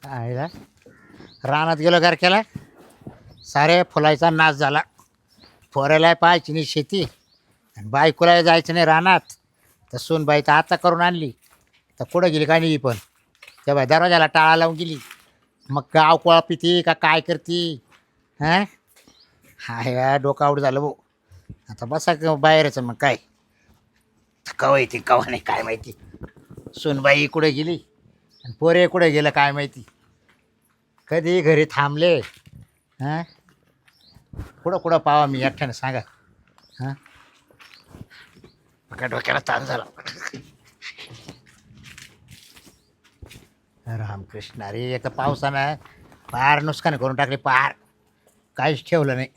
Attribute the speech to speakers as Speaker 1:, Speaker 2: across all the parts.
Speaker 1: आईला रानात गेलो घर केला सारे फुलाचा नाश झाला. फोरायला पाहायची नाही शेती आणि बायकोला जायचं नाही रानात. तर सूनबाई तर आता करून आणली तर कुठं गेली काय नाही पण तेव्हा दरवाजाला टाळा लावून गेली. मग गाव कोळा पिती का काय करती हां. हाय डोकं आऊट झालं भाऊ. आता बसा बाहेरच मग काय कवा येते कवा नाही काय माहिती. सूनबाई कुठे गेली आणि पोरे कुठे गेलं काय माहिती. कधी घरी थांबले हां. कुठं कुठं पावा मी एकट्यानं सांगा हां. का डोक्याला ताण झाला. रामकृष्ण अरे एका पावसानं पार नुकसान करून टाकले पार काहीच ठेवलं नाही.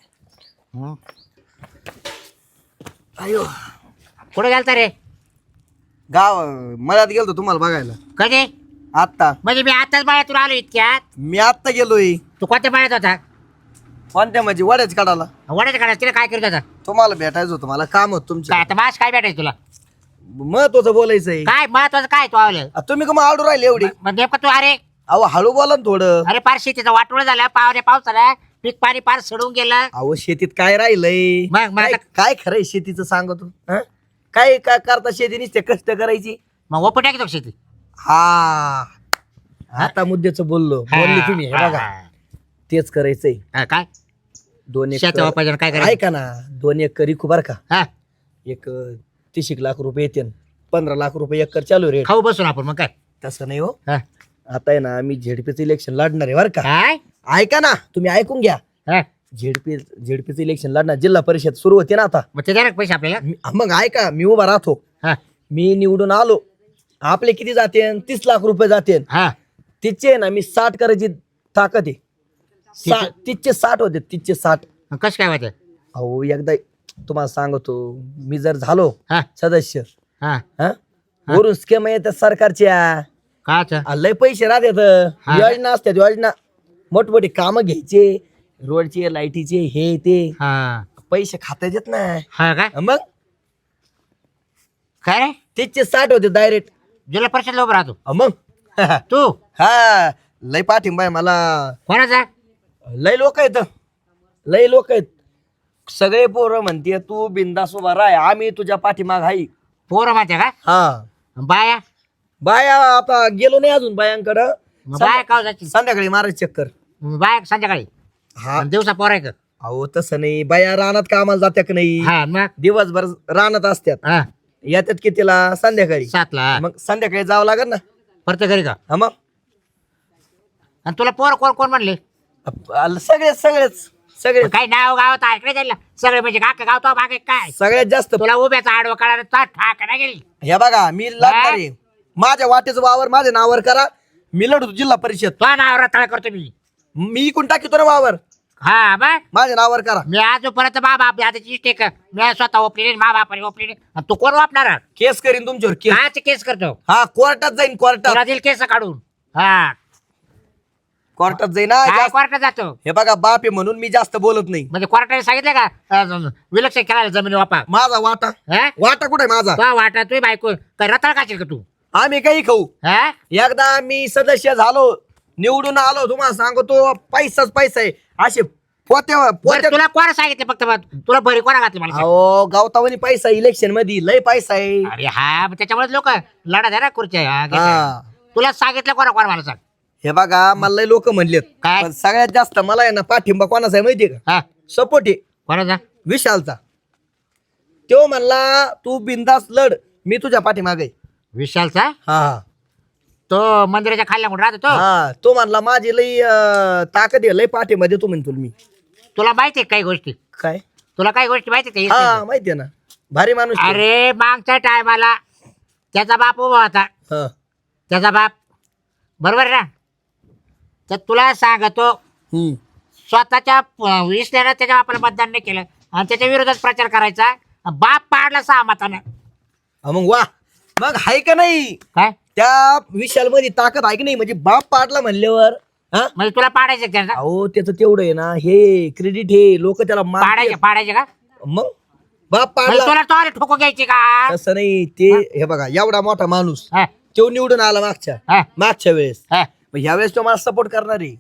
Speaker 2: अयो
Speaker 1: कुठं गेलता रे?
Speaker 2: गाव मळ्यात गेलतो तुम्हाला बघायला.
Speaker 1: कधी?
Speaker 2: आत्ता
Speaker 1: म्हणजे मी आताच बाळ्यातून आलो इतक्यात.
Speaker 2: मी आत्ता गेलोय.
Speaker 1: तू कोणत्या बाळ्यात होता?
Speaker 2: कोणत्या म्हणजे वड्याच काढाला.
Speaker 1: वड्याच्या काढा तिला काय करत होता?
Speaker 2: तुम्हाला भेटायचं होतं मला काम होत
Speaker 1: काय
Speaker 2: तुमच्या
Speaker 1: आता मास काय भेटायचं तुला?
Speaker 2: महत्वाचं बोलायचंय.
Speaker 1: काय महत्वाचं काय तू आवलं?
Speaker 2: तुम्ही का आडू राहिले एवढी?
Speaker 1: मग नेमकं तू अरे
Speaker 2: अहो हळू बोला ना थोडं.
Speaker 1: अरे पार शेतीचं वाटोळ झालं पावल्या पावसाला पीक पाणी पार सडून गेलं.
Speaker 2: अहो शेतीत काय राहिलंय?
Speaker 1: मग
Speaker 2: काय काय खरंय शेतीचं सांगतो. काय काय करता शेती नुसते कष्ट करायची.
Speaker 1: मग ओपन टाकी तो शेती.
Speaker 2: हा आता मुद्द्याचं बोललो बोलले तुम्ही. हे बघा तेच करायचंय.
Speaker 1: काय
Speaker 2: 2
Speaker 1: शेती
Speaker 2: एकर
Speaker 1: वापायचं काय करायचं?
Speaker 2: ऐका ना 2 एकर इकू बर का.
Speaker 1: हा
Speaker 2: एक 30 लाख रुपये येते 15 लाख रुपये एकर चालू रेट.
Speaker 1: खाऊ बसून आपण मग काय.
Speaker 2: तसं नाही हो.
Speaker 1: हा.
Speaker 2: आता आहे ना मी झेडपीचं इलेक्शन लढणार आहे बरं का.
Speaker 1: काय
Speaker 2: ऐका ना तुम्ही ऐकून घ्या.
Speaker 1: हा.
Speaker 2: झेडपीचं इलेक्शन लढणार. जिल्हा परिषद सुरू होते ना आता.
Speaker 1: मग ते द्या ना पैसे आपल्याला.
Speaker 2: मग ऐका मी उभा राहतो.
Speaker 1: हा
Speaker 2: मी निवडून आलो आपले किती जाते 30 लाख रुपये जाते.
Speaker 1: हा
Speaker 2: तिचे ना मी 60 करायची ताकद आहे. 30चे 60 होते 30चे 60.
Speaker 1: मग कसं काय माहिती?
Speaker 2: अहो एकदा तुम्हाला सांगतो मी जर झालो
Speaker 1: हा
Speaker 2: सदस्य
Speaker 1: हा
Speaker 2: हा वरून स्कीम येतात सरकारच्या.
Speaker 1: काच
Speaker 2: लय पैसे राहतात.
Speaker 1: हा.
Speaker 2: योजना असतात योजना मोठमोठी कामं घ्यायचे रोडचे लाईटीचे हे ते
Speaker 1: हा
Speaker 2: पैसे खाता येत ना.
Speaker 1: हा काय
Speaker 2: मग
Speaker 1: काय रे?
Speaker 2: तिचे 60 होते डायरेक्ट.
Speaker 1: जिल्हा परिषद उभं राहतो
Speaker 2: मग
Speaker 1: तू?
Speaker 2: हा लय पाठिंबा आहे मला.
Speaker 1: कोणाचा?
Speaker 2: लय लोक आहेत लय लोक आहेत. सगळे पोरं म्हणते तू बिंदास उभा राह आम्ही तुझ्या पाठीमाग आहे.
Speaker 1: पोरं माहिती का?
Speaker 2: हा
Speaker 1: बाया?
Speaker 2: बाया आता गेलो नाही अजून बायांकडं.
Speaker 1: मग बाया का जायची?
Speaker 2: संध्याकाळी मारायची चक्कर.
Speaker 1: बाया संध्याकाळी
Speaker 2: हा
Speaker 1: आणि दिवसा पोर आहे का?
Speaker 2: अहो तसं नाही बाया रानात कामाला जात्या का नाही.
Speaker 1: हा मग
Speaker 2: दिवसभर रानात असतात
Speaker 1: हा
Speaker 2: येतात कितीला संध्याकाळी.
Speaker 1: 7ला.
Speaker 2: मग संध्याकाळी जावं लागेल ना.
Speaker 1: परत घरी का?
Speaker 2: हा मग
Speaker 1: आणि तुला पोर कोण कोण म्हणले?
Speaker 2: सगळेच सगळेच सगळे
Speaker 1: काही नाव गावात ऐकलं जाईल सगळे म्हणजे का गाव तो बागे काय
Speaker 2: सगळ्यात जास्त.
Speaker 1: तुला उभ्याचा आडवा काढा ठाक नाही गेली.
Speaker 2: हे बघा मी लढणार आहे. माझ्या वाटेचं वावर माझ्या नावावर करा. मी लढतो जिल्हा परिषद.
Speaker 1: तो नाव रताळ करतो मी.
Speaker 2: मी इकून टाकीतो ना वावर.
Speaker 1: हा बघ
Speaker 2: माझ्या नावावर करा.
Speaker 1: मी आजपर्यंत मा बाप आता इष्टेक मी स्वतः ओपली नाही मा बापाने ओपली नाही आणि तू कोण वापणार?
Speaker 2: केस करीन तुमच्यावर केस.
Speaker 1: काच केस करतो
Speaker 2: हा कोर्टात जाईन कोर्टात.
Speaker 1: तुला दिल केस काढून. हा
Speaker 2: कोर्टात जाईन ना.
Speaker 1: काय
Speaker 2: जास्त-
Speaker 1: कोर्टात जातो
Speaker 2: हे बघा बाप आहे म्हणून मी जास्त बोलत नाही.
Speaker 1: म्हणजे कोर्टाने सांगितलं का विलक्षण केला जमीन वापा?
Speaker 2: माझा वाटा
Speaker 1: हा
Speaker 2: वाटा कुठे माझा.
Speaker 1: तो वाटा तुझी बायको काय रताळ काशील का तू?
Speaker 2: आम्ही काही खाऊ.
Speaker 1: हा
Speaker 2: एकदा मी सदस्य झालो निवडून आलो तुम्हाला सांगतो पैसाच पैसा आहे. असे पोत्या
Speaker 1: बरं,
Speaker 2: पोत्या.
Speaker 1: तुला कोण सांगितलं फक्त तुला भरी कोणा घातली मला सांग?
Speaker 2: अहो गावतावनी पैसा इलेक्शन मध्ये लय पैसा आहे.
Speaker 1: अरे हा मग त्याच्यामुळे लोक लढा द्या ना खुर्च्या
Speaker 2: हा.
Speaker 1: तुला सांगितलं कोणा मला सांग?
Speaker 2: हे बघा मला लय लोक म्हणलेत
Speaker 1: काय?
Speaker 2: पण सगळ्यात जास्त मला आहे ना पाठिंबा कोणाचा आहे माहितीये का?
Speaker 1: हा
Speaker 2: सपोर्ट आहे
Speaker 1: कोणाचा?
Speaker 2: विशालचा. तो म्हणला तू बिंदास लढ मी तुझ्या पाठीमागे आहे.
Speaker 1: विशालचा?
Speaker 2: हा
Speaker 1: तो मंदिराच्या खाल्ल्या म्हणून राहतो तो.
Speaker 2: हा तो म्हणला माझी लय ताकद आहे लय पाठिंबा देतो म्हणतो मी.
Speaker 1: तुला माहिती आहे काही गोष्टी?
Speaker 2: काय?
Speaker 1: तुला काही गोष्टी माहिती
Speaker 2: हा
Speaker 1: आहे?
Speaker 2: माहितीये ना भारी माणूस आहे.
Speaker 1: अरे मागच्या टायमाला त्याचा बाप उभा होता.
Speaker 2: हा.
Speaker 1: त्याचा बाप बरोबर ना? तर तुला सांगतो
Speaker 2: हम्म.
Speaker 1: स्वतःच्या विसल्यानं त्याच्या बापाला मतदान नाही केलं आणि त्याच्या विरोधात प्रचार करायचा. बाप पाडला 6 मतानं.
Speaker 2: हा, मग वा मग हाय का नाही
Speaker 1: काय
Speaker 2: त्या विशाल मध्ये ताकद आहे की नाही म्हणजे बाप पाडला म्हणल्यावर. हा
Speaker 1: म्हणजे तुला पाडायचं त्याचा?
Speaker 2: अहो त्याचं तेवढं आहे ना हे क्रेडिट हे लोक त्याला
Speaker 1: पाडायचे का?
Speaker 2: मग बाप
Speaker 1: म्हणजे
Speaker 2: पाडला
Speaker 1: तुला तो ठोको घ्यायची का?
Speaker 2: तसं नाही ते. हे बघा एवढा मोठा माणूस
Speaker 1: हा,
Speaker 2: तो निवडून आला
Speaker 1: हा,
Speaker 2: मागच्या वेळेस
Speaker 1: हा.
Speaker 2: मग ह्यावेळेस तो मला सपोर्ट करणार आहे.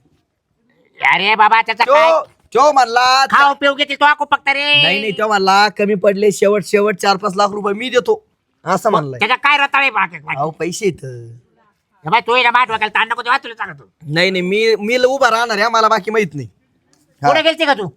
Speaker 1: अरे बाबा त्याचा काय
Speaker 2: तो म्हणला
Speaker 1: खाऊ पिऊ घेते तो आको फक्त रे.
Speaker 2: नाही तो म्हणला कमी पडले शेवट 4-5 लाख रुपये मी देतो असं म्हणलाय.
Speaker 1: त्याच्या काय रताळे बाकी
Speaker 2: अहो पैसे येत
Speaker 1: बाय तू ना माठ वाकायला ताण नको तेव्हा तुला सांगतो.
Speaker 2: नाही मी उभा राहणार आहे मला बाकी माहित नाही.
Speaker 1: कुठे गेलती का तू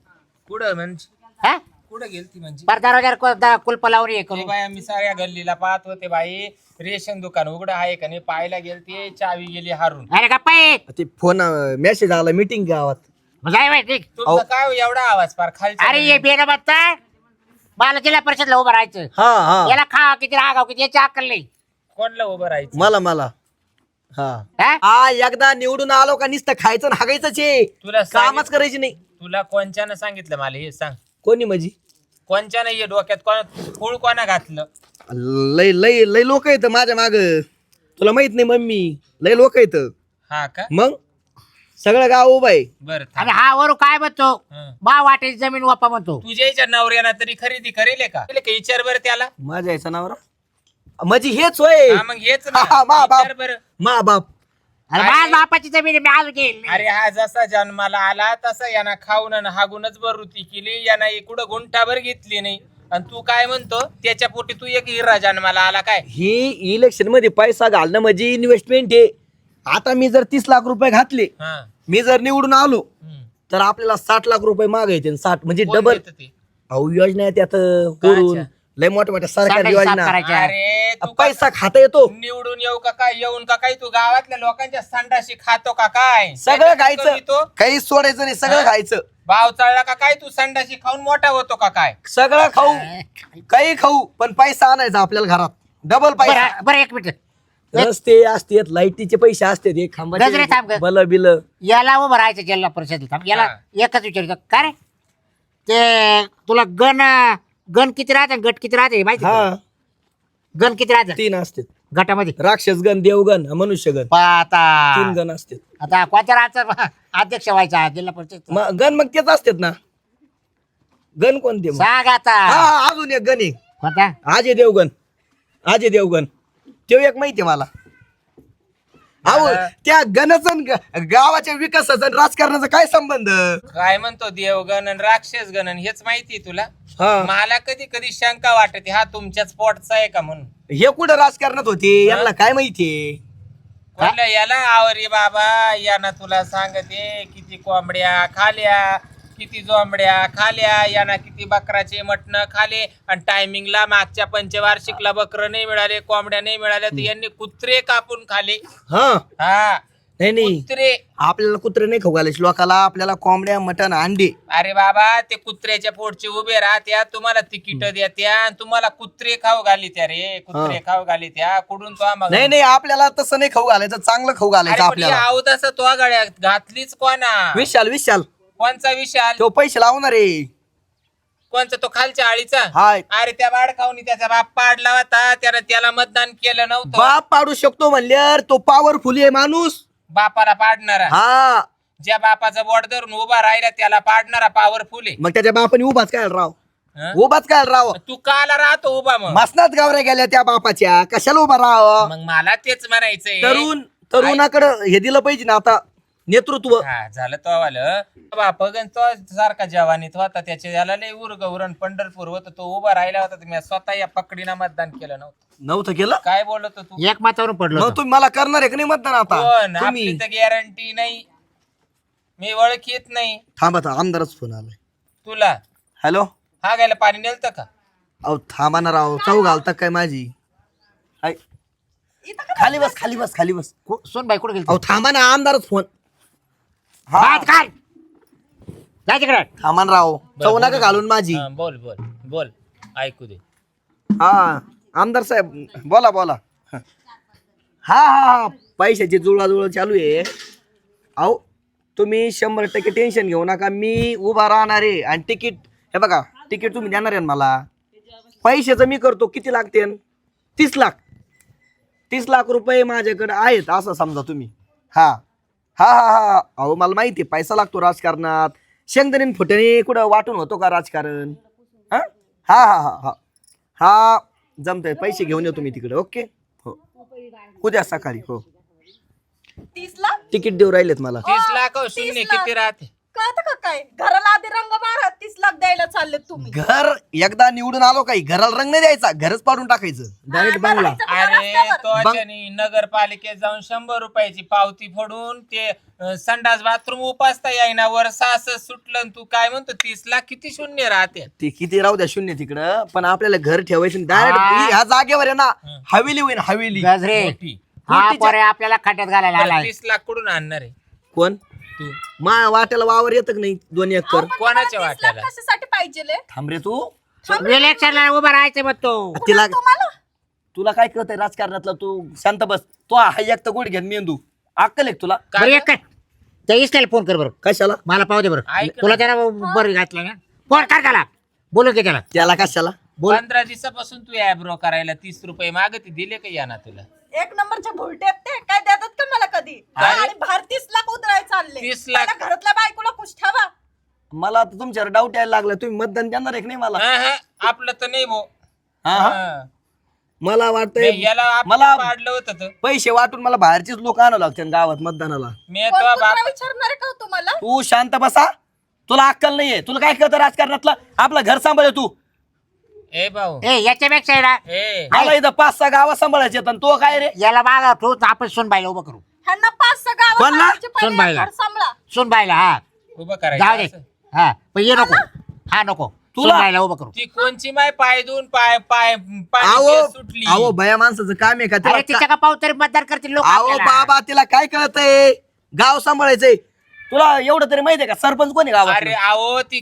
Speaker 3: कुठं म्हणजे
Speaker 1: हा
Speaker 3: कुठं गेलती म्हणजे
Speaker 1: बरं दरवाजा कुलप लावून हे
Speaker 3: ते
Speaker 1: करू.
Speaker 3: बाई आम्ही साऱ्या गल्लीला पाहत होते बाई रेशन दुकान उघडं आहे का नाही पाहायला गेलते चावी गेली हारून.
Speaker 1: अरे गप्पा ये.
Speaker 2: ते फोन मेसेज आला मीटिंग गावात.
Speaker 1: मग जाय बाई ठीक.
Speaker 3: तुमचं काय एवढा आवाज पार खालचा
Speaker 1: अरे ये बेन बत्ता मला जिल्हा परिषदला उभं राहायचं.
Speaker 2: हा
Speaker 1: याला खा किती रागाव किती याची अक्कल नाही.
Speaker 3: कोणला उभं राहायचं
Speaker 2: मला
Speaker 1: हा?
Speaker 2: हा एकदा निवडून आलो का नुसतं खायचं आणि हागायचंच आहे.
Speaker 3: तुला
Speaker 2: कामच करायची नाही.
Speaker 3: तुला कोणच्यानं सांगितलं मला हे सांग
Speaker 2: कोणी म्हणजे
Speaker 3: कोणच्यानं ये डोक्यात कोण फूळ कोणा घातलं.
Speaker 2: लय लय लय लोक येत माझ्या माग तुला माहित नाही मम्मी लय लोक येत
Speaker 3: हा का
Speaker 2: मग सगळं गाव उभं आहे.
Speaker 3: बरं
Speaker 1: आणि हा वरू काय म्हणतो
Speaker 3: हं.
Speaker 1: बा वाटेल जमीन वापा म्हणतो.
Speaker 3: तुझ्या नवऱ्यानं तरी खरेदी करेल का विचार बरं त्याला.
Speaker 2: माझ्या याचा नावरा म्हणजे हेच होय.
Speaker 3: हा मग हेच ना.
Speaker 2: हा, मा बाप.
Speaker 3: विचार बरं.
Speaker 2: मा बाप
Speaker 1: अरे माझ बापाची जमीन आहे, मी आज घेईल.
Speaker 3: अरे हा जसा जन्माला आला तसा यानं खाऊन आणि हागूनच बरुती केली यानं कुठं गुंठाभर घेतली नाही आणि तू काय म्हणतो त्याच्या पोटी तू एक हिरा जन्माला आला काय.
Speaker 2: ही इलेक्शन मध्ये पैसा घालणं म्हणजे इन्व्हेस्टमेंट आहे. आता मी जर 30 लाख रुपये घातले
Speaker 3: हा
Speaker 2: मी जर निवडून आलो
Speaker 3: हम्म.
Speaker 2: तर आपल्याला 60 लाख रुपये मागायचे 60 म्हणजे
Speaker 3: कोण
Speaker 2: डबल.
Speaker 3: देतं ते?
Speaker 2: अहो योजना आहे त्यात करून
Speaker 3: अच्छा.
Speaker 2: लय मोठ्या सरकारी
Speaker 1: संडास साफ
Speaker 2: योजना
Speaker 1: करायच्या.
Speaker 3: अरे तू
Speaker 2: पैसा खाता येतो
Speaker 3: निवडून येऊ का काय येऊन का काय तू गावातल्या लोकांच्या संडाशी खातो का काय
Speaker 2: सगळं
Speaker 3: काय
Speaker 2: खायचं
Speaker 3: तो
Speaker 2: काही सोडायचं नाही सगळं
Speaker 3: हा?
Speaker 2: खायचं
Speaker 3: भाव चढला का काय तू संडाशी खाऊन मोठा होतो का काय.
Speaker 2: सगळं खाऊ काही खाऊ पण पैसा आणायचा आपल्याला घरात डबल पैसा.
Speaker 1: बरं बरं एक मिनिट
Speaker 2: रस्ते असतात लाईटीचे पैसे असतात एक
Speaker 1: गजरे थांब
Speaker 2: खांबाचे
Speaker 1: ग.
Speaker 2: बल बिल.
Speaker 1: याला उभं राहायचं जिल्हा परिषदेला थांब. याला एकच विचारतो का रे ते तुला गण किती राहते गट किती राहते माहिती
Speaker 2: हा
Speaker 1: का? गण किती राहते
Speaker 2: 3 असतात
Speaker 1: गटामध्ये
Speaker 2: राक्षस गण देवगण मनुष्यगण
Speaker 1: आता
Speaker 2: 3 गण असतात.
Speaker 1: आता कोणत्या राहायचा अध्यक्ष व्हायचा जिल्हा परिषद
Speaker 2: गण मग तेच असतात ना गण कोणते मग?
Speaker 1: सांग आता
Speaker 2: हा अजून एक गण आहे
Speaker 1: कोणता
Speaker 2: अजय देवगण तो एक माहिती आहे मला. अहो त्या गणाचा गावाच्या विकासाचा आणि राजकारणाचा काय संबंध.
Speaker 3: काय म्हणतो देवगण आणि राक्षस गण हेच माहिती तुला.
Speaker 2: हा
Speaker 3: मला कधी कधी शंका वाटते हा तुमच्याच पोटचा आहे का म्हणून.
Speaker 2: हे कुठं राजकारणात होते यांना काय माहितीये.
Speaker 3: कोणल्या याला आवरे बाबा याना तुला सांगते किती कोंबड्या खाल्या किती जोंबड्या खाल्या याना किती बकराचे मटण खाले आणि टायमिंगला मागच्या पंचवार्षिकला बकर नाही मिळाले कोंबड्या नाही मिळाल्या तर यांनी कुत्रे कापून खाले.
Speaker 2: हा
Speaker 3: हा
Speaker 2: नाही
Speaker 3: कुत्रे.
Speaker 2: आपल्याला कुत्रे नाही खाऊ घालायचे लोकाला आपल्याला कोंबड्या मटण अंडे.
Speaker 3: अरे बाबा ते कुत्र्याच्या पोटचे उभे राहत्या तुम्हाला तिकीट देत्या आणि तुम्हाला कुत्रे खाऊ घाली त्या रे कुत्रे खाऊ घाली त्या कुठून तो आम्हाला.
Speaker 2: नाही आपल्याला तसं नाही खाऊ घालायचं चांगलं खाऊ घालायचं आपल्याला.
Speaker 3: आवत तो गळ्यात घातलीच कोणा.
Speaker 2: विशाल
Speaker 3: कोणचा विशाल
Speaker 2: तो पैसे लावणार आहे.
Speaker 3: कोणचा तो खालच्या आळीचा.
Speaker 2: हाय
Speaker 3: अरे त्या बाडकावनी त्याचा बाप पाडला होता त्याला मतदान केलं नव्हतं.
Speaker 2: बाप पाडू शकतो म्हणल्यावर तो पॉवरफुल आहे माणूस.
Speaker 3: बापाला पाडणारा
Speaker 2: हा
Speaker 3: ज्या बापाचा बोट धरून उभा राहिला त्याला पाडणारा पॉवरफुल आहे.
Speaker 2: मग त्याच्या बापाने उभाच काय राव
Speaker 3: हं?
Speaker 2: उभाच काय राव.
Speaker 3: तू काला राहतो उभा मग.
Speaker 2: मसनात गावऱ्या गेल्या त्या बापाच्या कशाला उभा राहावं.
Speaker 3: मग मला तेच म्हणायचंय.
Speaker 2: तरुणाकडं हे दिलं पाहिजे ना आता नेतृत्व.
Speaker 3: हा झालं तो आलं बापगन तो सारखा जवानीत होता त्याच्या याला लय उरण पंढरपूर होत तो उभा राहिला होता मी स्वतः या पकडीनं मतदान केलं
Speaker 2: नव्हतं केलं
Speaker 3: काय बोलत तू.
Speaker 1: एक मातावरून पडलो
Speaker 2: मग तुम्ही मला करणार आहे का नाही मतदान आता
Speaker 3: पण
Speaker 2: तुम्ही
Speaker 3: आपली तर गॅरंटी नाही मी ओळखीत नाही.
Speaker 2: थांबा आमदारच फोन आलाय.
Speaker 3: तुला
Speaker 2: हॅलो
Speaker 3: हा गायला पाणी नेलतं का.
Speaker 2: अहो थांबा ना राव चौ घालता काय माझी. हाय. खाली बस
Speaker 1: सोन बाई कुठे गेली
Speaker 2: अहो थांबा ना आमदारच फोन.
Speaker 1: भात खाल जाय तिकडे.
Speaker 2: थांबा ना राव चौ नका घालून माझी.
Speaker 3: हा, बोल बोल बोल ऐकू दे.
Speaker 2: हा आमदार साहेब बोला हा पैशाची जुळवाजुळव चालू आहे. अहो तुम्ही 100% टेन्शन घेऊ नका मी उभा राहणार आहे आणि तिकीट हे बघा तिकीट तुम्ही देणार आहे ना मला. पैशाचं मी करतो किती लागते 30 लाख रुपये माझ्याकडे आहेत असं समजा तुम्ही. हा अहो मला माहिती आहे पैसा लागतो राजकारणात. शेंगदाणे फुटणे कुठं वाटून होतो का राजकारण. हा जमतंय पैसे घेऊन येतो मी तिकडे. ओके हो उद्या सकाळी हो.
Speaker 4: 30 लाख
Speaker 2: तिकीट देऊ राहिलेत मला.
Speaker 3: 30 लाख हो,
Speaker 4: 30
Speaker 3: शून्य
Speaker 4: लाख.
Speaker 3: किती राहते?
Speaker 4: कळतं का काय? घराला आधी रंग मारा, 30 लाख द्यायला चालले तुम्ही.
Speaker 2: घर एकदा निवडून आलो काही घराला रंग नाही द्यायचा, घरच पाडून टाकायचं डायरेक्ट
Speaker 4: हा,
Speaker 2: बांगला.
Speaker 4: राहायचं घर
Speaker 3: अरे
Speaker 4: रस्त्यावर.
Speaker 3: तो अचानी नगरपालिकेत जाऊन 100 रुपयाची पावती फोडून ते संडास बाथरूम उपासता येईना वर सास सुटलं आणि तू काय म्हणतो 30 लाख किती शून्य राहते?
Speaker 2: ते किती राहू द्या शून्य तिकडं, पण आपल्याला घर ठेवायचं
Speaker 1: हा.
Speaker 2: डायरेक्ट ह्या जागेवर आहे ना हवेली होईल हवेली.
Speaker 1: गजरे
Speaker 3: मोठी.
Speaker 1: हा पोरे आपल्याला खड्ड्यात घालायला
Speaker 3: बरं,
Speaker 1: आलाय.
Speaker 3: 30 लाख कुठून आणणार आहे
Speaker 2: कोण
Speaker 3: तू?
Speaker 2: मा वाट्याला वावर येत नाही 2 एकर.
Speaker 4: अहो, पण
Speaker 3: कोणाच्या
Speaker 4: तुम्हाला 30 लाख
Speaker 3: वाट्याला?
Speaker 4: कशासाठी पाहिजे?
Speaker 2: थांब रे तू.
Speaker 1: इलेक्शनला उभा राहायचं मग तो.
Speaker 2: तिला
Speaker 4: तुम्हाला
Speaker 2: तुला काय कळतंय राजकारणातलं? तू शांत बस. तो हा एक तर गोड घेन मेंदू अक्कल एक तुला
Speaker 1: बरं एक कर त्या इसल्याला फोन कर बरं,
Speaker 2: कशाला?
Speaker 1: मला पाहू दे बरं.
Speaker 3: ऐक ना.
Speaker 1: तुला त्याला बरं घातलं ना, फोन कर त्याला, बोलू की त्याला.
Speaker 2: त्याला कशाला?
Speaker 1: बोल.
Speaker 3: 15 दिवसापासून तू ॲब्रो करायला 30 रुपये मागते, दिले का या ना तुला?
Speaker 4: एक नंबरच्या भुलटे आहेत ते, काय देतात का मला कधी?
Speaker 3: काय?
Speaker 4: आणि बाहेर 30 लाख उधराय चालले.
Speaker 3: 30 लाख?
Speaker 4: पहिला घरातल्या बायकोला खुश ठेवा.
Speaker 2: मला आता तुमच्यावर डाऊट यायला लागला. तुम्ही मतदान देणार आहे की नाही मला?
Speaker 3: हा, हा, आपलं तर नाही भो.
Speaker 2: हा, हा.
Speaker 3: हा.
Speaker 2: मला वाटतंय
Speaker 3: नाही, याला
Speaker 2: मला-
Speaker 3: आपण पाडलं होतं तर.
Speaker 2: पैसे वाटून मला बाहेरचीच लोक आणावं लागतात गावात मतदानाला.
Speaker 3: मी
Speaker 4: कोण
Speaker 3: तो
Speaker 4: कुत्रा
Speaker 3: बाप
Speaker 4: विचारणार आहे का हो तुम्हाला?
Speaker 2: तू शांत बसा. तुला अक्कल नाहीये. तुला काय कळतं राजकारणातलं? आपलं घर सांभाळ तू.
Speaker 3: ए भाऊ
Speaker 1: ए याच्यापेक्षा आहे ना,
Speaker 3: ए
Speaker 2: मला इथं 5-6 गावं सांभाळायचे आणि तो काय रे?
Speaker 1: याला मागा ठेवू आपण सुनबाईला उभं करू.
Speaker 4: ह्यांना 5-6 गावात
Speaker 2: कोणला?
Speaker 4: सांभाळायचे, पहिले
Speaker 1: सुनबाईला.
Speaker 4: घर सांभाळा.
Speaker 1: सुनबाईला हा
Speaker 3: उभं
Speaker 1: जाऊ दे.
Speaker 3: करायचं असं.
Speaker 1: हा पण ये नको, हा नको,
Speaker 2: तुला-
Speaker 1: सुनबाईला उभं करू.
Speaker 3: ती कोणची माय पाय देऊन पाय पाय पाय
Speaker 2: अहो
Speaker 3: सुटली.
Speaker 2: अहो भया माणसाचं काम आहे का?
Speaker 1: अरे
Speaker 2: तिला
Speaker 1: तिच्या का पाहू तरी मतदान करतील लोक.
Speaker 2: अहो बाबा तिला काय कळतंय? गाव सांभाळायचंय. तुला एवढं तरी माहितीये का सरपंच कोण आहे गावात?
Speaker 3: अरे अहो ती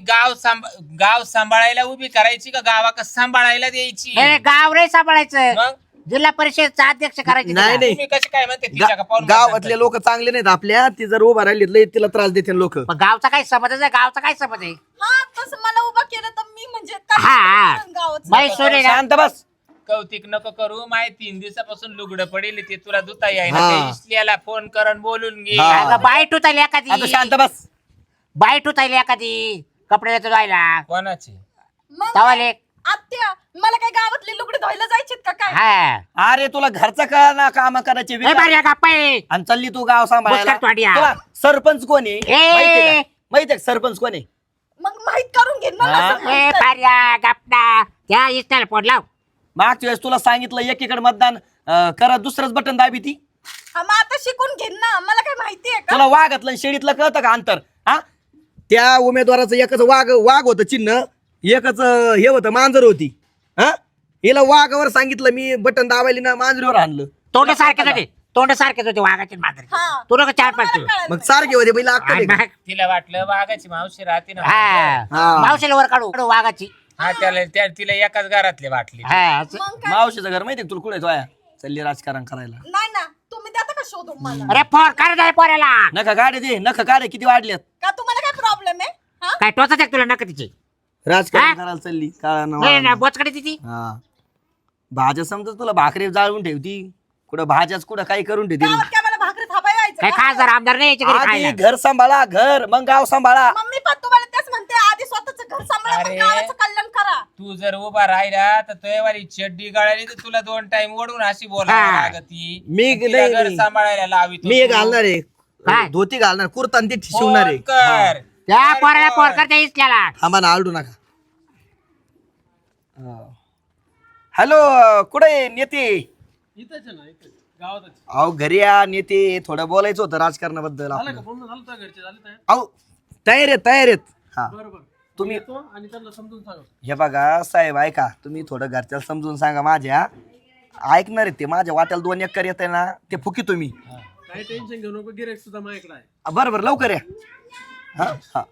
Speaker 3: गाव सांभाळायला उभी करायची का गावाक सांभाळायला द्यायची?
Speaker 1: गाव रे सांभाळायचं,
Speaker 3: मग
Speaker 1: जिल्हा परिषदचा अध्यक्ष करायचं.
Speaker 2: नाही,
Speaker 1: तिला.
Speaker 2: नाही.
Speaker 3: तुम्ही कशी काय म्हणते तिच्या का पाहून
Speaker 2: गावातले लोक चांगले नाहीत आपल्या. ती जर उभा राहिली लय तिला त्रास देते लोक.
Speaker 1: पण गावचा काय समज आहे, गावचा काय समज आहे.
Speaker 4: हा, तसं मला उभं केलं तर मी म्हणजे काय
Speaker 1: हा.
Speaker 4: करेन गावाचं?
Speaker 1: बाई सोने ना,
Speaker 2: शांत बस.
Speaker 3: कौतिक नको करू. माय 3 दिवसापासून लुगडं पडेल ते तुला धुता येईना.
Speaker 2: हा.
Speaker 3: त्या इसल्याला फोन करून बोलून घे.
Speaker 2: हा.
Speaker 1: अगं बाईट उतारली
Speaker 2: आता
Speaker 1: एखादी,
Speaker 2: शांत बस.
Speaker 1: बाईट उतारली एखादी कपडे देतो जायला
Speaker 3: कोणाची?
Speaker 4: मग
Speaker 1: तवाले.
Speaker 4: आत्या, मला काय गावातली लुगडी धुवायला जायचीत का काय?
Speaker 1: हा
Speaker 2: अरे तुला घरचं का ना काम करायचे
Speaker 1: ए
Speaker 2: विचार.
Speaker 1: बारी गप्पा आहे.
Speaker 2: आणि चालली तू गाव सांभाळायला.
Speaker 1: बुचकट वाड्या.
Speaker 2: तुला सरपंच कोण आहे
Speaker 1: ए.
Speaker 2: माहितीये का? माहितीये का सरपंच कोण आहे?
Speaker 4: मग माहित करून घेईन मला
Speaker 2: हा?
Speaker 4: असं
Speaker 1: ए
Speaker 4: माहित आहे.
Speaker 1: बाऱ्या गप्पा त्या इस्टाला फोन लाव.
Speaker 2: मागच्या वेळेस तुला सांगितलं एकीकडे मतदान करा, दुसरंच बटन दाबी ती.
Speaker 4: हा, मग आता शिकून घेईन ना. मला काय माहितीये का?
Speaker 2: तुला वाघातलं आणि शेळीतलं कळतं का अंतर? हा, त्या उमेदवाराचं एकच वाघ होतं चिन्ह, एकच हे होतं मांजर होती. हा, हिला वाघावर सांगितलं मी बटन दाबायली ना मांजरीवर आणलं.
Speaker 1: तोंड सारखेच होते, तोंड सारखेच होते वाघाचे मात्र.
Speaker 4: हा.
Speaker 1: तू नको 4-5
Speaker 4: मला
Speaker 1: किलो.
Speaker 4: कळालं.
Speaker 2: मग सारखे होते बैल अक्कल आहे का?
Speaker 3: तिला वाटलं वाघाची मावशी राहते ना.
Speaker 1: हा
Speaker 2: हा.
Speaker 1: मावशीला वर काढू वाघाची.
Speaker 3: हा तिला एकाच घरातले वाटली.
Speaker 1: हा असं.
Speaker 4: मग काय?
Speaker 2: मावशीचं घर माहितीये का तुला? कुठे आहे? चालली राजकारण करायला.
Speaker 4: नाही ना, तुम्ही देता का शोधून मला?
Speaker 1: अरे फोन कर जाय पोऱ्याला.
Speaker 2: नका गाडी दे, नका गाडी किती वाढल्यात.
Speaker 4: का तुम्हाला काय प्रॉब्लेम आहे? हा?
Speaker 1: काय टोचाच तुला नका तिची.
Speaker 2: राजकारण
Speaker 1: हा?
Speaker 2: करायला चालली काळा
Speaker 1: नाही
Speaker 2: नवा.
Speaker 1: बोचकडे तिची.
Speaker 2: हा, भाज्या समजा तुला भाकरी जाळून ठेवती, कुठं भाज्याच कुठं काही करून ठेवती.
Speaker 4: गावात काय मला भाकरी थापायला
Speaker 1: काय
Speaker 4: जायचं का?
Speaker 1: खासदार आमदार नाही याच्या घरी
Speaker 2: आधी
Speaker 1: खायला.
Speaker 2: घर सांभाळा, घर मग गाव सांभाळा.
Speaker 4: मम्मी पण तुम्हाला तेच म्हणते, आधी स्वतःच घर सांभाळा, मग
Speaker 3: अरे.
Speaker 4: गावाचं कल्याण करा.
Speaker 3: तू जर उभा राहिला तर तुझ्यावाली चड्डी गळाली तर तुला 2 टाइम ओढून अशी बोलावं
Speaker 1: हा.
Speaker 3: लागती.
Speaker 2: मी
Speaker 3: तिला
Speaker 2: नाही,
Speaker 3: घर
Speaker 2: नाही.
Speaker 3: सांभाळायला लावी
Speaker 2: मी हे घालणार आहे
Speaker 1: काय?
Speaker 2: धोती घालणार, कुर्ता आणि ते शिवणार आहे.
Speaker 3: कर
Speaker 1: त्या पोराला फोन कर त्या इस्ल्याला.
Speaker 2: थांबा ना, आलडू नका. हॅलो, कुठे नेते? अहो घरी या नेते, थोडं बोलायचं होतं राजकारणाबद्दल आपलं. अहो तयार आहेत. हा, तुम्ही हे बघा साहेब, ऐका तुम्ही थोडं घरच्याला समजून सांगा. माझ्या ऐकणार आहेत ते. माझ्या वाट्याला 2 एकर येत आहे ना, ते फुकी तुम्ही.
Speaker 5: काही टेन्शन घेऊ नको, गिरेक सुद्धा माझ्याकडे आहे.
Speaker 2: बरं लवकर या. हा हा,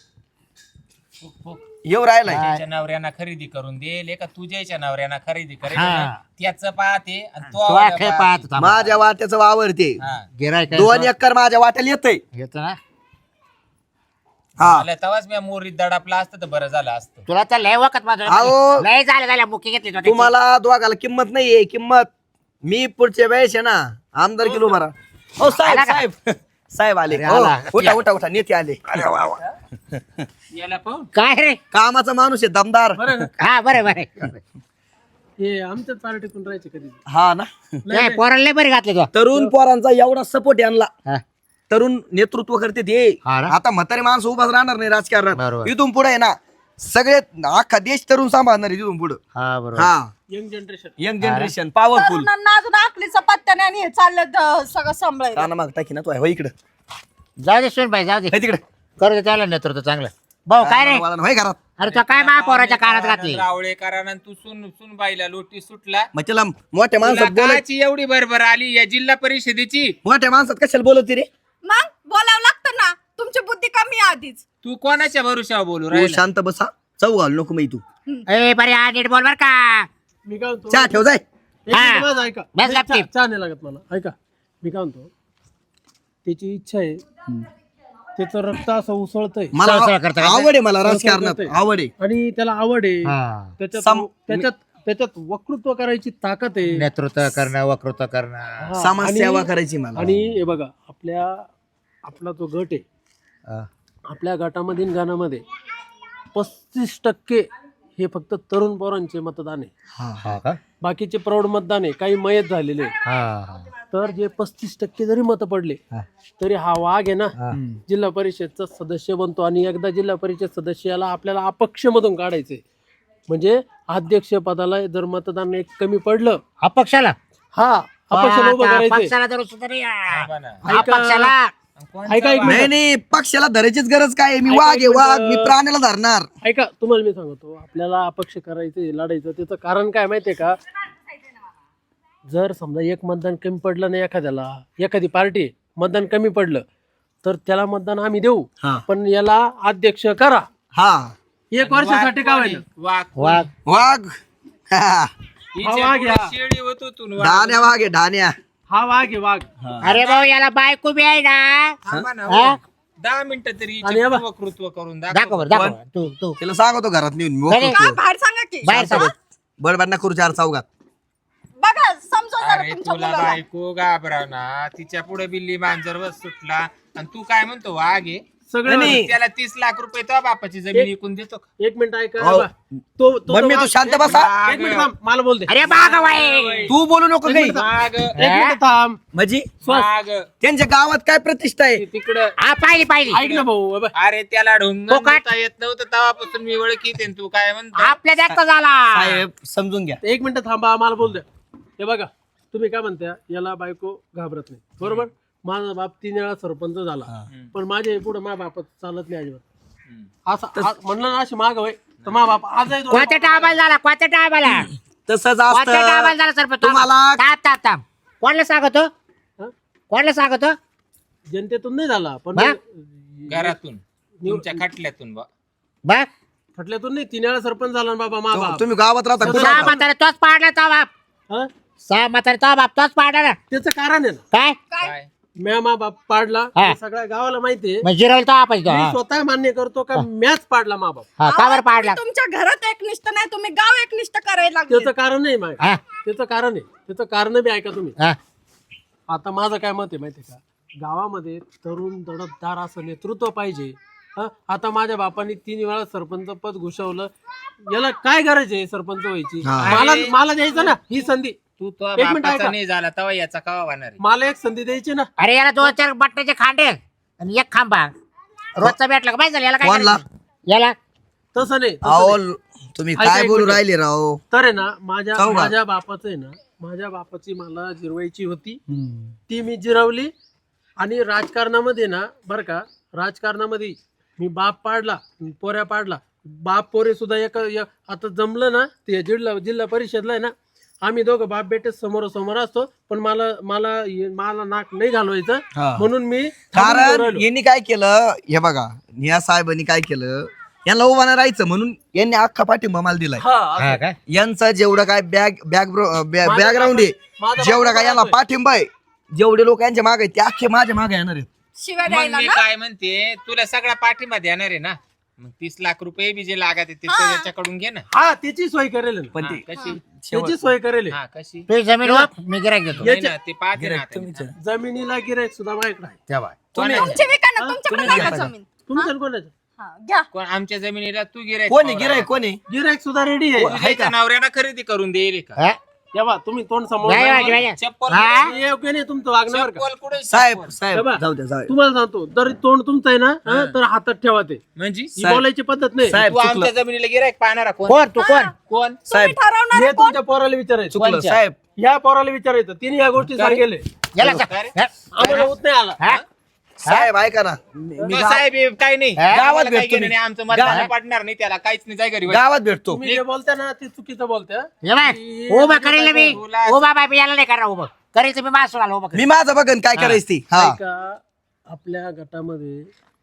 Speaker 2: येऊ राहिलाय.
Speaker 3: त्याच्या नवऱ्यांना खरेदी करून देईल का तुझ्याच्या नवऱ्यांना खरेदी करेल
Speaker 1: हा.
Speaker 3: ना, त्याचं पाहते आणि तो
Speaker 1: तो
Speaker 3: आवाज
Speaker 1: खेळ
Speaker 3: पाहते.
Speaker 1: पाहत होता.
Speaker 2: माझ्या वाट्याचं वावर ते
Speaker 3: हा.
Speaker 1: गिऱ्हाईक आहे
Speaker 2: 2
Speaker 1: तो.
Speaker 2: एकर माझ्या वाट्याला येतंय.
Speaker 1: येतो ना.
Speaker 2: हा,
Speaker 3: मला तेव्हाच मी मोरीत दडापला असतं तर बरं झालं असतं.
Speaker 1: तुला तर लय वखत माझं
Speaker 2: अहो.
Speaker 1: लय झालं मुकी घेतली तो त्याची.
Speaker 2: तुम्हाला दोघाला किंमत नाहीये. किंमत मी पुढच्या वेळेस आहे ना आमदार किलो भरा. हो साहेब,
Speaker 1: आला का?
Speaker 2: साहेब साहेब आले.
Speaker 1: अरे
Speaker 2: हो,
Speaker 1: आला.
Speaker 2: उठा नेते आले.
Speaker 3: याला पाहून
Speaker 1: काय रे.
Speaker 2: कामाचा माणूस आहे, दमदार.
Speaker 5: बरं
Speaker 1: हा बरं
Speaker 5: हे आमच्याच पार्टीतून राहायचे कधी.
Speaker 2: हा ना,
Speaker 1: काय पोराला लय बरी घातली तो.
Speaker 2: तरुण पोरांचा एवढा सपोर्ट यांना.
Speaker 1: हा.
Speaker 2: तरुण नेतृत्व करते ते.
Speaker 1: हा ना?
Speaker 2: आता म्हातारे माणसं उभाच राहणार नाही राजकारणात.
Speaker 1: बरोबर.
Speaker 2: इथून पुढे आहे ना सगळे अख्खा देश तरुण सांभाळणार आहे तिथून पुढे.
Speaker 1: हा बरोबर.
Speaker 2: हा
Speaker 5: young generation.
Speaker 2: Young generation powerful.
Speaker 4: तरुणांना अजून आखलीचा पत्त्या नाही आणि हे चाललं सगळं सांभाळायला.
Speaker 2: काना माग टाकी ना तू आहे इकडे
Speaker 1: जाऊ दे सुन बाई जाऊ दे
Speaker 2: तिकडे
Speaker 1: करू दे त्याला नेतृत्व चांगलं. भाऊ काय रे
Speaker 2: होय घरात.
Speaker 1: अरे तो काय महापौराच्या कानात घातली.
Speaker 3: रावळे कारण तू सुन बाईला लोटी सुटला.
Speaker 2: मग त्याला मोठ्या
Speaker 3: तुला
Speaker 2: माणसात बोलत
Speaker 3: काची एवढी बरोबर आली या जिल्हा परिषदेची.
Speaker 2: मोठ्या माणसात कशाला बोलत रे.
Speaker 4: मग बोलावं लागतं ना, तुमची बुद्धी कमी आहे आधीच.
Speaker 3: तू कोणाच्या भरोशावर बोलू
Speaker 2: तू
Speaker 3: राहिला.
Speaker 2: शांत बसा चौ घाल नको मी तू.
Speaker 1: ए बरे हा नीट बोल बर का.
Speaker 5: मी काय म्हणतो
Speaker 2: चहा ठेव जाय.
Speaker 5: एक मिनिट माझं ऐका.
Speaker 1: बस
Speaker 5: नाही,
Speaker 1: गपचीप.
Speaker 5: चहा नाही लागत मला. ऐका मी काय म्हणतो, त्याची इच्छा आहे, त्याचं रक्त असं उसळतंय
Speaker 2: मला
Speaker 1: सळसळ करतं का?
Speaker 2: आवड आहे मला राजकारणात
Speaker 5: करतंय.
Speaker 2: आवड आहे.
Speaker 5: आणि त्याला आवड आहे.
Speaker 1: हा.
Speaker 5: त्याच्यात वक्तृत्व करायची ताकद आहे.
Speaker 1: नेतृत्व करणं वक्तृत्व करणं.
Speaker 5: हा,
Speaker 2: समाजसेवा
Speaker 5: आणि-
Speaker 2: करायची मला.
Speaker 5: आणि हे बघा आपला जो गट आहे,
Speaker 1: हा.
Speaker 5: आपल्या गटामधील गाण्यामध्ये 35% हे फक्त तरुण पोरांचे मतदान आहे.
Speaker 1: हा का?
Speaker 5: बाकीचे प्रौढ मतदान आहे, काही मयत झालेले आहे.
Speaker 1: हा.
Speaker 5: तर जे 35% जरी मत पडले
Speaker 1: हा.
Speaker 5: तरी हा वाघ आहे ना
Speaker 1: हा.
Speaker 5: जिल्हा परिषदचा सदस्य बनतो. आणि एकदा जिल्हा परिषद सदस्याला आपल्याला अपक्ष मधून काढायचंय. म्हणजे अध्यक्ष पदाला जर मतदान एक कमी पडलं,
Speaker 1: अपक्षाला
Speaker 5: हा अपक्षाला उभं करायचंय.
Speaker 1: पक्षाला तर सुद्धा नाही.
Speaker 3: हा ना.
Speaker 1: अपक्षाला
Speaker 5: ऐका एक
Speaker 2: नाही
Speaker 5: मिनिट.
Speaker 2: नाही पक्षाला धरायचीच गरज काय आहे? मी
Speaker 5: ऐका
Speaker 2: वाघ
Speaker 5: एक
Speaker 2: आहे वाघ.
Speaker 5: मिनिट.
Speaker 2: मी प्राण्याला धरणार.
Speaker 5: ऐका तुम्हाला मी सांगतो, आपल्याला अपक्ष करायचंय, लढायचं. त्याचं कारण काय माहितीये का, जर समजा एक मतदान कमी पडलं नाही एखाद्याला, एखादी पार्टी मतदान कमी पडलं तर त्याला मतदान आम्ही देऊ,
Speaker 2: हा.
Speaker 5: पण याला अध्यक्ष करा
Speaker 2: हा
Speaker 5: 1 वर्षासाठी का होईना.
Speaker 3: वाघ
Speaker 1: वाघ
Speaker 2: वाघ. हा.
Speaker 3: हिच्या
Speaker 5: वाघ
Speaker 3: पुढे
Speaker 5: या.
Speaker 3: शेळी होतो तू वाघ.
Speaker 2: ढाण्या वाघ आहे ढाण्या.
Speaker 5: हा वाघ आहे वाघ.
Speaker 1: अरे भाऊ याला बायको बी आहे ना.
Speaker 3: थांबा ना,
Speaker 1: हा?
Speaker 3: 10 मिनिटं तरी
Speaker 5: आणि हे बघ.
Speaker 3: वक्तृत्व करून
Speaker 1: दाखव
Speaker 3: दाखव.
Speaker 1: बरं दाखव तू तू
Speaker 2: त्याला सांगतो घरात नेऊन मी
Speaker 1: नाही,
Speaker 2: मोकळं.
Speaker 4: का बाहेर सांगा की.
Speaker 1: बाहेर सांग.
Speaker 2: बडबड ना करू चार चौघात.
Speaker 4: बघा समजा जरा
Speaker 3: अरे
Speaker 4: तुमच्या
Speaker 3: तुला
Speaker 4: मुलाला.
Speaker 3: बायको घाबरावना, तिच्या पुढे बिल्ली मांजर सुटला आणि तू काय म्हणतो वाघ आहे.
Speaker 5: सगळं
Speaker 2: नाही,
Speaker 3: त्याला 30 लाख रुपये तो बापाची जमीन विकून देतो का?
Speaker 5: 1 मिनिट ऐका.
Speaker 2: हो.
Speaker 5: बा. तो
Speaker 2: मम्मी तू शांत बसा.
Speaker 5: एक मिनिट थांब, मला बोल दे.
Speaker 1: अरे बाग वाय
Speaker 2: तू बोलू नको काही.
Speaker 3: वाघ
Speaker 5: एक मिनिट थांब.
Speaker 2: म्हणजे
Speaker 3: वाघ
Speaker 2: त्यांच्या गावात काय प्रतिष्ठा आहे?
Speaker 3: तिकडं.
Speaker 1: हा पाहिली
Speaker 5: ऐक ना भाऊ. बाबा.
Speaker 3: अरे त्याला ढोंग
Speaker 1: फोकाट.
Speaker 3: देता येत नव्हतं तेव्हापासून मी ओळखीत आहे. तू काय म्हणतो
Speaker 1: आपल्या जास्त झाला.
Speaker 2: साहेब समजून घ्या.
Speaker 5: 1 मिनिट थांबा, मला बोल द्या. हे बघा तुम्ही काय म्हणता, याला बायको घाबरत नाही, बरोबर. माझा बाप 3 वेळा सरपंच झाला, पण माझ्या पुढे माझ्या बाप चालत नाही अजिबात. असं म्हणलं ना अशी माग होय, तर माझा बाप आजही दोन-
Speaker 1: कोणत्या टायमाला झाला कोणत्या टायमाला
Speaker 2: तसंच
Speaker 1: कोणत्या टायमाला
Speaker 2: असतं
Speaker 1: झाला सरपंच
Speaker 2: तुम्हाला.
Speaker 1: थांब कोणाला सांगतो
Speaker 5: हं?
Speaker 1: कोणाला सांगतो
Speaker 5: जनतेतून नाही झाला, पण
Speaker 1: बा?
Speaker 3: घरातून तुमच्या खटल्यातून बा.
Speaker 1: बघ
Speaker 5: खटल्यातून नाही. 3 वेळा सरपंच झाला ना बाबा माझा बाप.
Speaker 2: तुम्ही गावात राहता कुठं
Speaker 1: सहा
Speaker 2: राहता?
Speaker 1: म्हातारे तोच पाडला तो बाप
Speaker 5: हं?
Speaker 1: सहा म्हातारे तो बाप तोच पाडला ना
Speaker 5: त्याचं कारण आहे ना,
Speaker 1: काय
Speaker 3: काय
Speaker 5: म्या मा बाप पाडला,
Speaker 1: हा.
Speaker 5: हे सगळ्या गावाला माहितीये.
Speaker 1: मग जिरवलं तो आपण तो
Speaker 5: मी
Speaker 1: हा.
Speaker 5: स्वतः मान्य करतो का मॅच पाडला मा बाप.
Speaker 1: हा, का बरं पाडला
Speaker 4: तुम्ही तुमच्या घरात एकनिष्ठ नाही, तुम्ही गाव एकनिष्ठ करायला लागले.
Speaker 5: त्याचं कारण नाही माय,
Speaker 1: हा,
Speaker 5: त्याचं कारण आहे. त्याचं कारण बी ऐका तुम्ही.
Speaker 1: हा.
Speaker 5: आता माझं काय मत आहे माहितीये का, गावामध्ये तरुण दडपदार असं नेतृत्व पाहिजे. हं? आता माझ्या बापाने 3 वेळा सरपंच पद घुसवलं, याला काय गरज आहे सरपंच व्हायची. मला द्यायचं ना ही संधी.
Speaker 3: तू तो
Speaker 5: एक मिनिट
Speaker 3: बापाचा
Speaker 5: ऐका.
Speaker 3: नाही झाला तेव्हा याचा कवा होणार आहे?
Speaker 5: मला एक संधी द्यायची ना.
Speaker 1: अरे याला 2-4 बट्ट्याचे खांडे आणि एक खांबा रोजचा भेटला का माहिती झालं याला काय
Speaker 2: कोणला?
Speaker 1: करायचं? याला
Speaker 5: तसं नाही, तसं
Speaker 2: अहो
Speaker 5: नाही.
Speaker 2: तुम्ही
Speaker 5: ऐका
Speaker 2: काय
Speaker 5: एक
Speaker 2: बोलू
Speaker 5: मिनिट.
Speaker 2: राहिले राव?
Speaker 5: तर आहे ना
Speaker 2: चौघा.
Speaker 5: माझ्या बापाचं आहे ना, माझ्या बापाची मला जिरवायची होती, ती मी जिरवली. आणि राजकारणामध्ये ना बरं का, राजकारणामध्ये मी बाप पाडला, पोऱ्या पाडला, बाप पोरे सुद्धा आता जमलं ना ते जिल्हा परिषदला आहे ना, आम्ही दोघं बाप बेटे समोर असतो, पण मला नाक नाही घालवायचं
Speaker 2: हा.
Speaker 5: म्हणून मी थांबून
Speaker 2: कारण
Speaker 5: राहिलो.
Speaker 2: यांनी काय केलं हे बघा, निया साहेबांनी काय केलं, यांना उभा नाही राहायचं म्हणून यांनी अख्खा पाठिंबा मला दिलाय.
Speaker 5: हा, असं.
Speaker 1: हा काय
Speaker 2: यांचं जेवढं काय बॅकग्राऊंड आहे,
Speaker 5: माझा
Speaker 2: जेवढा
Speaker 5: बाप
Speaker 2: काय यांना
Speaker 5: राहतोय.
Speaker 2: पाठिंबा आहे, जेवढे लोक यांच्या मागे आहेत ते अख्खे माझ्या मागे येणार आहेत.
Speaker 4: शिवाय
Speaker 3: मग
Speaker 4: द्यायला
Speaker 3: मी
Speaker 4: ना.
Speaker 3: काय म्हणते, तुला सगळा पाठिंबा देणार आहे ना, मग 30 लाख रुपये बी जे लागत आहे ते त्याच्याकडून घे ना.
Speaker 5: हा त्याची सोय करेल ना.
Speaker 2: पण
Speaker 3: हा,
Speaker 2: ते
Speaker 3: कशी
Speaker 5: त्याची सोय करेल.
Speaker 3: हा कशी
Speaker 1: तुझी जमीन वाप मी गिरायक देतो
Speaker 3: नाही ना, ते पाहते ना आता मी.
Speaker 5: जमिनीला गिरायक सुद्धा माझ्याकडे आहे.
Speaker 1: तेव्हा
Speaker 3: कोणाच्या?
Speaker 4: तुमची विका ना, तुमच्याकडे नाही का जमीन?
Speaker 5: तुमच्या कोणाचं
Speaker 4: हा, घ्या.
Speaker 3: कोण आमच्या जमिनीला तू गिरायक
Speaker 2: कोणी गिराय कोणी
Speaker 5: गिरायक सुद्धा रेडी आहे.
Speaker 3: तुझ्या नवऱ्याला खरेदी करून देईल का?
Speaker 1: हा?
Speaker 5: तेव्हा तुम्ही तोंड समोर
Speaker 1: नाही,
Speaker 5: राहा.
Speaker 1: नाही, नाही.
Speaker 3: चप्पल
Speaker 1: हा?
Speaker 5: हे योग्य नाही तुमचं वागणं बरं का.
Speaker 3: चप्पल कुठे
Speaker 2: साहेब
Speaker 3: चप्पल?
Speaker 2: साहेब
Speaker 5: तेव्हा
Speaker 2: जाऊ द्या जाऊ द्या.
Speaker 5: तुम्हाला सांगतो जर तोंड तुमचं आहे ना तर हातात ठेवा ते
Speaker 3: म्हणजे
Speaker 5: ही
Speaker 2: साहेब.
Speaker 5: बोलायची पद्धत नाही
Speaker 2: साहेब
Speaker 3: तू
Speaker 2: चुकलं
Speaker 3: आमच्या जमिनीला गिरायक पाहणारा कोण
Speaker 1: कोण तू कोण
Speaker 3: कोण
Speaker 2: साहेब
Speaker 4: तुम्ही ठरवणार
Speaker 5: हे
Speaker 4: आहे कोण?
Speaker 5: तुमच्या पोराला विचारायचं
Speaker 2: चुकलं
Speaker 3: कोणच्या?
Speaker 2: साहेब
Speaker 5: या पोराला विचारायचं तिने या गोष्टी सांगितले
Speaker 1: गेला का?
Speaker 3: काय रे?
Speaker 1: हा?
Speaker 5: आम्हाला होत नाही आला
Speaker 1: हा?
Speaker 2: साहेब ऐका ना मी
Speaker 3: तो
Speaker 2: गाव-
Speaker 3: साहेब हे काही नाही
Speaker 1: हा?
Speaker 3: गावात
Speaker 2: भेटतो
Speaker 3: काही
Speaker 2: मी.
Speaker 3: नाही आमचं मतदान
Speaker 2: गावात-
Speaker 3: पडणार नाही त्याला काहीच नाही जाय घरी
Speaker 2: गावात भेटतो
Speaker 5: तुम्ही जे बोलता ना ते चुकीचं बोलता
Speaker 1: ये बाय, उभं करेल मी
Speaker 3: तुला-
Speaker 1: उभा बाय याला नाही करा उभं करायचं मी मासून आलो उभं
Speaker 2: मी माझं बघन काय करायचं ती हा
Speaker 5: का आपल्या गटामध्ये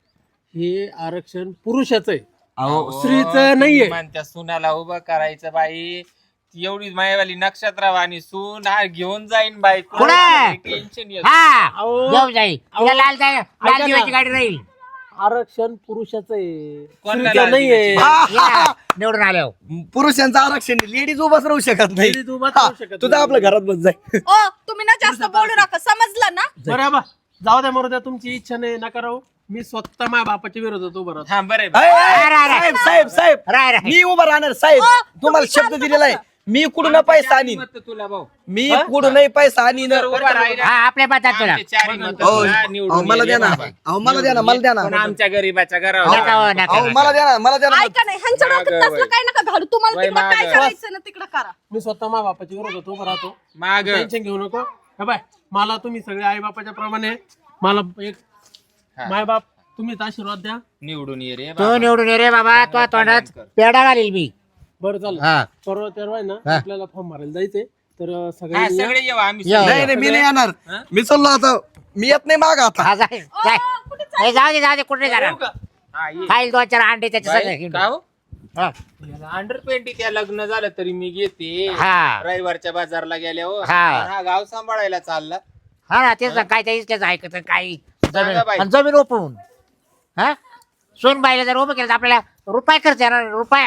Speaker 5: हे आरक्षण पुरुषाचं आहे
Speaker 2: अहो
Speaker 5: स्त्रीचं नाहीये.
Speaker 3: त्या सुनाला उभं करायचं बाई ती एवढी मायवाली नक्षत्रवाणी सून हा घेऊन जाईन बाई
Speaker 1: कुठं?
Speaker 3: टेन्शन येत
Speaker 1: हा
Speaker 5: अहो.
Speaker 1: घेऊन जाईल तुला लाल
Speaker 5: ऐका ना.
Speaker 1: दिव्याची गाडी राहील
Speaker 5: आरक्षण पुरुषाचं आहे
Speaker 3: कोणाला
Speaker 5: स्त्रीचं नाहीये
Speaker 3: दिव्याची?
Speaker 2: हा, हा,
Speaker 1: या,
Speaker 2: हा.
Speaker 1: निवडून आल्यावर
Speaker 2: पुरुषांचं आरक्षण लेडीज उभाच राहू शकत नाही
Speaker 5: Ladies उभाच
Speaker 2: हा,
Speaker 5: राहू शकत
Speaker 2: तुझा
Speaker 5: नाही.
Speaker 2: आपल्या घरात बस जाय
Speaker 4: ओ तुम्ही ना जास्त बोलू नका समजलं ना?
Speaker 5: बरं बा जाऊ द्या मरू द्या तुमची इच्छा नाही नका राहू मी स्वतः माझ्या बापाच्या विरोधात उभं राहतो
Speaker 3: हा बरं
Speaker 2: अय,
Speaker 3: आहे.
Speaker 2: अय,
Speaker 1: राय, राय.
Speaker 2: साहेब साहेब साहेब
Speaker 1: राय राय
Speaker 2: मी उभा राहणार साहेब
Speaker 4: अ,
Speaker 2: तुम्हाला
Speaker 4: तुम्ही
Speaker 2: शब्द
Speaker 4: शांत
Speaker 2: दिलेला आहे
Speaker 4: बसा.
Speaker 2: मी कुठून पैसा आणीन
Speaker 3: मत तुला भाऊ
Speaker 2: मी कुठून पैसा आणीन
Speaker 3: जर उभा राहिला
Speaker 1: हा आपल्या बातात तुला
Speaker 3: आमचे चारी मतं
Speaker 2: अहो,
Speaker 3: तुला
Speaker 2: अहो,
Speaker 3: निवडून
Speaker 2: मला
Speaker 3: ये
Speaker 2: द्या ना
Speaker 3: बाबा.
Speaker 2: अहो मला द्या ना मला द्या ना
Speaker 3: पण आमच्या गरीबाच्या
Speaker 1: नका
Speaker 3: घरावर
Speaker 1: हो, नका,
Speaker 2: अहो
Speaker 1: नका.
Speaker 2: मला द्या ना मला द्या ना
Speaker 4: ऐका नाही ह्यांच्या
Speaker 3: मागं
Speaker 4: डोक्यात तसलं
Speaker 3: वय.
Speaker 4: काय नका घालू तुम्हाला
Speaker 3: वय
Speaker 4: तिकडं काय
Speaker 3: मागं.
Speaker 4: करायचं ना तिकडं करा.
Speaker 5: मी स्वतः माझ्या बापाच्या विरोधात उभं राहतो
Speaker 3: माग
Speaker 5: टेन्शन घेऊ नको हे बाय मला तुम्ही सगळे आई बापाच्या प्रमाणे मला एक
Speaker 3: हा.
Speaker 5: माय बाप तुम्हीच आशीर्वाद द्या
Speaker 3: निवडून ये रे
Speaker 1: तू
Speaker 3: बाबा.
Speaker 1: निवडून ये रे बाबा तो तोंडात पेडा घालील मी
Speaker 5: बरं चालेल
Speaker 1: हा
Speaker 5: परवा तेरवा आहे ना
Speaker 1: हा.
Speaker 5: आपल्याला फॉर्म भरायला जायचंय तर
Speaker 3: हा,
Speaker 5: सगळ्यांनी या.
Speaker 3: सगळे येऊ आम्ही
Speaker 1: येऊ.
Speaker 3: सगळे.
Speaker 2: नाही नाही मी नाही येणार
Speaker 3: हा?
Speaker 2: मी चाललो आता मी येत नाही माग आता
Speaker 1: हा जाय जाय ए, जाऊ दे कुठे जाणार
Speaker 5: येऊ का?
Speaker 3: हा, ये.
Speaker 1: खाईल 2-4 अंडे त्याच्या
Speaker 3: बाई,
Speaker 1: सगळे
Speaker 3: का हो?
Speaker 1: हा.
Speaker 3: अंडर 20 त्या लग्न झालं तरी मी घेते
Speaker 1: हा.
Speaker 3: रविवारच्या बाजारला गेल्या हो
Speaker 1: हा.
Speaker 3: हा गाव सांभाळायला चालला
Speaker 1: हा ना तेच ना काय त्याच ऐकत काही जमीन
Speaker 3: बाई.
Speaker 1: आणि जमीन ओपवून हा सोन बाईला जर उभं केलं तर आपल्याला रुपये खर्च येणार रुपया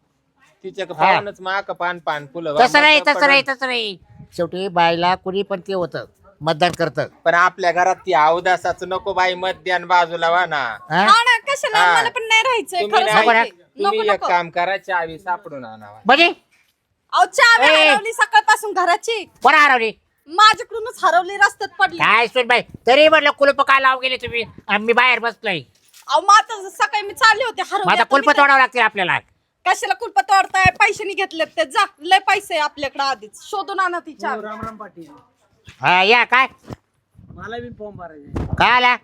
Speaker 3: तिच्या पानच माक पान पान फुलं
Speaker 1: तसं नाही
Speaker 3: मस्त
Speaker 1: तसं नाही
Speaker 3: पडन.
Speaker 1: तसं नाही शेवटी बाईला कुणी पण ते होतं मतदान करतं
Speaker 3: पण आपल्या घरात ती अवदासाच नको बाई मध्यान बाजूला वा ना
Speaker 1: हा?
Speaker 4: हा ना कशाला
Speaker 3: हा.
Speaker 4: मला पण नाही राहायचंय
Speaker 3: तुम्ही
Speaker 4: खरं
Speaker 3: नाही-
Speaker 4: सांगते.
Speaker 3: तुम्ही
Speaker 4: नको
Speaker 3: एक
Speaker 4: नको
Speaker 3: काम करा चावी सापडून आणावा
Speaker 1: म्हणजे
Speaker 4: अहो चावी
Speaker 1: ए.
Speaker 4: हरवली सकाळपासून घराची
Speaker 1: कोणा हरवली
Speaker 4: माझ्याकडूनच हरवली रस्त्यात पडली.
Speaker 1: काय सोन बाई तरी म्हटलं कुलप काय लावून गेले तुम्ही आम्ही बाहेर बसलोय
Speaker 4: अहो मग आता सकाळी मी चालले होते
Speaker 1: मग आता
Speaker 4: हरवली
Speaker 1: कुलप तोडावं लागतील आपल्याला
Speaker 4: कशाला कुलप तोडताय पैसे नाही घेतलेत ते जा लय पैसे आहे आपल्याकडे आधीच शोधून आणा ती चावी.
Speaker 5: राम राम पाटील
Speaker 1: हा या काय
Speaker 5: मला बी फॉर्म भरायचा
Speaker 1: काय आला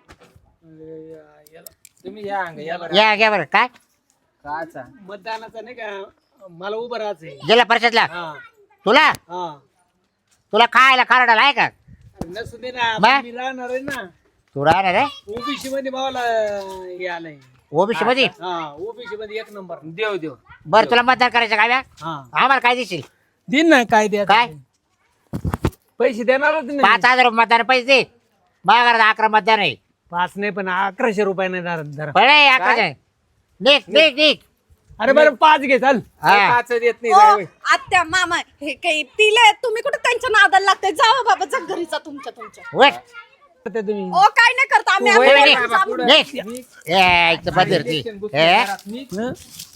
Speaker 3: तुम्ही या अंग या बरं
Speaker 1: या घ्या बरं काय
Speaker 3: काचा
Speaker 5: मतदानाचा नाही का मला उभं राहायचंय
Speaker 1: जिल्हा परिषदला
Speaker 5: हा
Speaker 1: तुला
Speaker 5: हा
Speaker 1: तुला खायला खारडाला आहे का
Speaker 5: नसू दे ना
Speaker 1: बा?
Speaker 5: मी राहणार आहे ना
Speaker 1: तू राहणार आहे
Speaker 5: ओबीसी मध्ये भावाला हे आलंय
Speaker 1: ओबीसी मध्ये
Speaker 5: हा ओबीसी मध्ये 1 नंबर
Speaker 3: देव देव
Speaker 1: बरं तुला मतदान करायचं काय बा?
Speaker 5: हा
Speaker 1: आम्हाला काय देशील
Speaker 5: दिन ना काय द्या
Speaker 1: काय
Speaker 5: पैसे देणारच नाही
Speaker 1: 5,000 मतदान पैसे दे माझ्या घरात 11 मतदान आहे
Speaker 5: 5 नाही पण 1100 रुपये नाही धरा
Speaker 1: पळे 11 निक निक निक
Speaker 5: अरे बरं 5 घे चाल
Speaker 1: हा
Speaker 3: काच देत नाही
Speaker 4: ओ,
Speaker 3: जाय होय.
Speaker 4: आत्या मामा हे काही तिले तुम्ही कुठे त्यांच्या नादाला लागते जावं बाबा जा घरीचा तुमच्या
Speaker 1: वट
Speaker 5: ते तुम्ही
Speaker 4: ओ काय नाही करता आम्ही
Speaker 3: तू वय
Speaker 4: आम्ही
Speaker 3: नाही
Speaker 4: घरीच
Speaker 3: बाबा,
Speaker 4: आम्ही-
Speaker 3: पुढं.
Speaker 1: निक ए इथं बदलती
Speaker 3: इलेक्शन बूथ
Speaker 1: हे
Speaker 3: घरात नी.